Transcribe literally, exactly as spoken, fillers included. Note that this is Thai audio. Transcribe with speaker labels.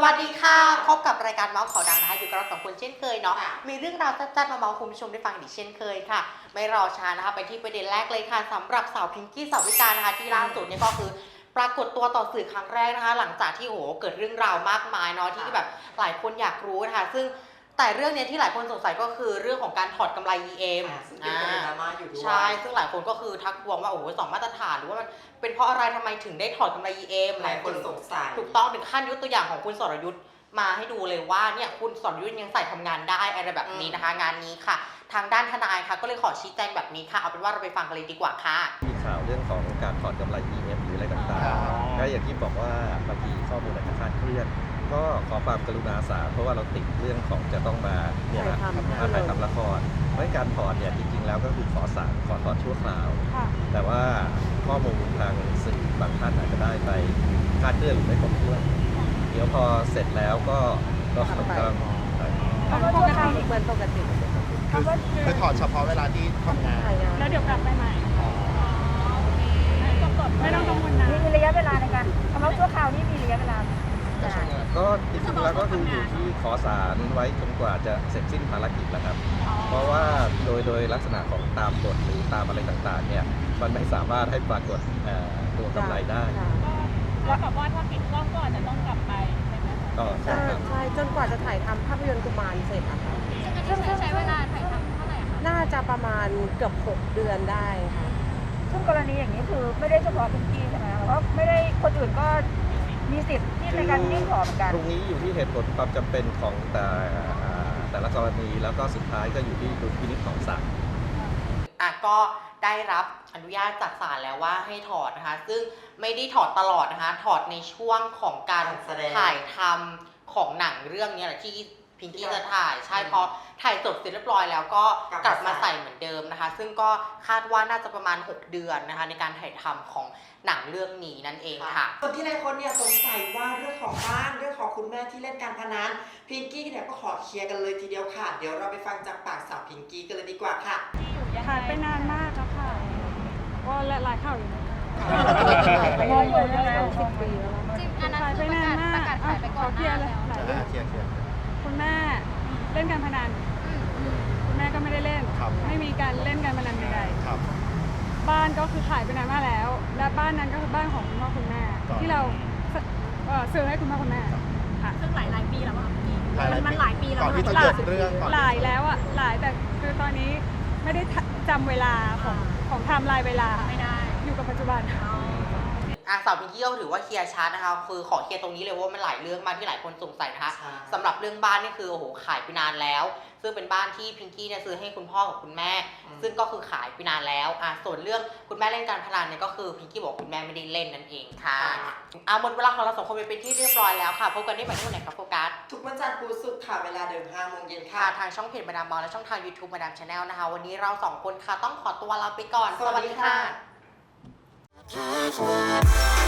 Speaker 1: วัสดีค่ะพบกับรายการเมาส์ข่าวดังนะคะอยู่กับเราสองคนเช่นเคยเนาะมีเรื่องราวจัดๆมาเมาส์คุณผู้ชมได้ฟังอีกเช่นเคยค่ะไม่รอช้านะคะไปที่ประเด็นแรกเลยค่ะสำหรับสาวพิงกี้สาวิกานะคะที่ล่าสุดเนี่ยก็คือปรากฏตัวต่อสื่อครั้งแรกนะคะหลังจากที่โอ้โหเกิดเรื่องราวมากมายเนาะที่แบบหลายคนอยากรู้นะคะซึ่งแต่เรื่องนี้ที่หลายคนสงสัยก็คือเรื่องของการถอดกำไร อี เอ็ม
Speaker 2: ซึ่งเป็นประเด็นดราม่าอยู่ด้วย
Speaker 1: ใช่ซึ่งหลายคนก็คือทักทวงว่าโอ้โหสองมาตรฐานหรือว่ามันเป็นเพราะอะไรทำไมถึงได้ถอดกำไร อี เอ็ม
Speaker 2: หลายคนสงสัย
Speaker 1: ถูกต้องถึงขั้นยกตัวอย่างของคุณสรยุทธ์มาให้ดูเลยว่าเนี่ยคุณสรยุทธ์ยังใส่ทำงานได้อะไรแบบนี้นะคะงานนี้ค่ะทางด้านทนายค่ะก็เลยขอชี้แจงแบบนี้ค่ะเอาเป็นว่าเราไปฟังกันเลยดีกว่าค่ะ
Speaker 3: มีข่าวเรื่องของการถอดกำไร อี เอ็ม หรืออะไรต่างๆก็อย่างที่บอกว่าบางทีข้อมูลอาจจะคลาดเคลื่อนก็ขอความกรุณาสาเพราะว่าเราติดเรื่องของจะต้องมาเนี่ยนะมาถ่ายทำละครเพราะการถอดเนี่ยจริงๆแล้วก็คือขอสั่งขอถอดชั่วคราวแต่ว่าข้อมูลทางสื่อบางท่านอาจจะได้ไปคลาดเคลื่อนหรือไม่ครบถ้วนเดี๋ยวพอเสร็จแล้วก็ก็ต้อง
Speaker 4: ปกติเหมือนปกติ
Speaker 5: คือถอดเฉพาะเวลาที่ทำงาน
Speaker 4: แล้วเดี๋ยวกลับไปใหม่ไม่ต้องกังวลนะ
Speaker 6: มีระยะเวลาในการคำว่าชั่วคราวนี่มีระยะเวลา
Speaker 3: ก็จริงๆแล้วก็คืออยู่ที่ขอศาลไว้จนกว่าจะเสร็จสิ้นภารกิจแล้วครับเพราะว่าโดยโดยลักษณะของตามกฎหรือตามอะไรต่างๆเนี่ยมันไม่สามารถให้ปรากฏตัวกำไรได้
Speaker 4: แล้วกับว่าถ้าปิดกล้องก็อาจจะต้องกลับไปใช่ไหม
Speaker 3: ก็
Speaker 4: ใช่ใช่จนกว่าจะถ่ายทำภาพยนตร์กุมารเสร็จอะค่ะ
Speaker 6: ซึ่งใช้เวลาถ่ายทำเท่าไหร่คะ
Speaker 4: น่าจะประมาณเกือบหกเดือนได้ค่ะ
Speaker 6: ซึ่งกรณีอย่างนี้คือไม่ได้เฉพาะพิงกี้ใช่ไหมเพราะไม่ได้คนอื่นก็มีสิทธิ์ที่ในการยื่นขอเหมือนกัน
Speaker 3: ตรงนี้อยู่ที่เหตุผลความจำเป็นของแต่แต่ละกรณีแล้วก็สุดท้ายก็อยู่ที่ดุลพินิจของศาล
Speaker 1: อ่ะก็ได้รับอนุญาตจากศาลแล้วว่าให้ถอดนะคะซึ่งไม่ได้ถอดตลอดนะคะถอดในช่วงของการถ่ายทำของหนังเรื่องนี้แหละที่พิงกี้จะถ่ายใช่พอถ่ายจบเสร็จเรียบร้อยแล้วก็กลับมาใส่เหมือนเดิมนะคะซึ่งก็คาดว่าน่าจะประมาณหกเดือนนะคะในการถ่ายทำของหนังเรื่องนี้นั่นเองค่ะ
Speaker 2: ส่วนที่หลายคนเนี่ยสงสัยว่าเรื่องของบ้านเรื่องของคุณแม่ที่เล่นการพนันพิงกี้เนี่ยก็ขอเคลียร์กันเลยทีเดียวค่ะเดี๋ยวเราไปฟังจากปากสาวพิงกี้กันเลยดีกว่าค่ะ
Speaker 4: ถ่ายไปนานมากแล้วค่ะก็หลายข่าวอยู่
Speaker 6: ถ่ายไปนานแล้วสิบปีแล้ว
Speaker 4: จริงอันนั้นคือประกาศประกาศขายไปก่อนเคลียร์เลยคุณแม่เล่นการพนันคุณแม่ก็ไม่ได้เล่นไม่มีการเล่นการพนันใดๆบ้านก็คือขายไปนานมากแล้วและบ้านนั้นก็คือบ้านของคุณพ่อคุณแม่ที่เราซื้อให้คุณพ่อคุณแม่ค่ะ
Speaker 6: ซึ่งหลายหลายปีแล้วอ่ะมันหลายปีแล้ว
Speaker 5: ก่อนที่จะเกิดเรื่อง
Speaker 4: หลายแล้วอ่ะหลายแต่คือตอนนี้ไม่ได้จำเวลาของของไทม์ไลน์เวลา
Speaker 6: ไม่ได้
Speaker 4: อยู่กับปัจจุบัน
Speaker 1: อ่ะสาวพิงกี้ก็ถือว่าเคลียร์ชัดนะคะคือขอเคลียร์ตรงนี้เลยว่ามันหลายเรื่องมากที่หลายคนสงสัยนะคะสำหรับเรื่องบ้านนี่คือโอ้โหขายไปนานแล้วซึ่งเป็นบ้านที่พิงกี้เนี่ยซื้อให้คุณพ่อกับคุณแม่ซึ่งก็คือขายไปนานแล้วอ่ะส่วนเรื่องคุณแม่เล่นการพนันเนี่ยก็คือพิงกี้บอกคุณแม่ไม่ได้เล่นนั่นเองค่ะอ่ะหมดเวลาของเราสองคนไปเป็นที่เรียบร้อยแล้วค่ะพบกันได้ใหม่ที่วันไหนครับโฟกัส
Speaker 2: ทุกวันจันทร์พุธศุกร์ค่ะเวลาเดิมห้าโมงเย็นค่ะ
Speaker 1: ทางช่องเพจมาดามมอลและช่องทาง YouTube มาดามชาแนลนะคะวันนี้เราสองคนค่ะต้องขอตัวลาไปก่อนสวัสดีค่ะ